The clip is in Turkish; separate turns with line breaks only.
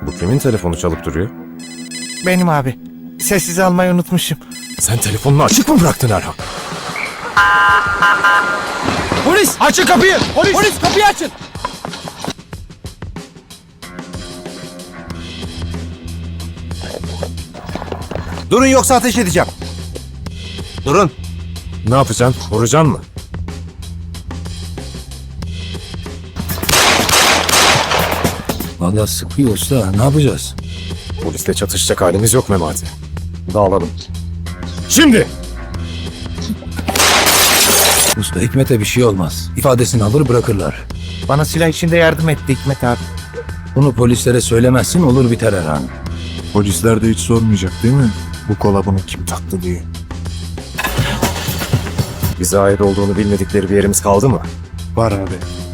Bu kimin telefonu çalıp duruyor?
Benim abi. Sessiz almayı unutmuşum.
Sen telefonunu açık mı bıraktın Erhan?
Polis! Açın kapıyı! Polis kapıyı açın!
Durun yoksa ateş edeceğim. Durun.
Ne yapacaksın? Vuracaksın mı?
Vallahi sıkıyor usta. Ne yapacağız?
Polisle çatışacak halimiz yok Memati. Dağılalım. Şimdi!
Usta Hikmet'e bir şey olmaz. İfadesini alır bırakırlar.
Bana silah içinde yardım etti Hikmet abi.
Bunu polislere söylemezsin olur biter Erhan.
Polisler de hiç sormayacak değil mi? Bu kola bunu kim taktı diye.
Bize ait olduğunu bilmedikleri bir yerimiz kaldı mı?
Var abi.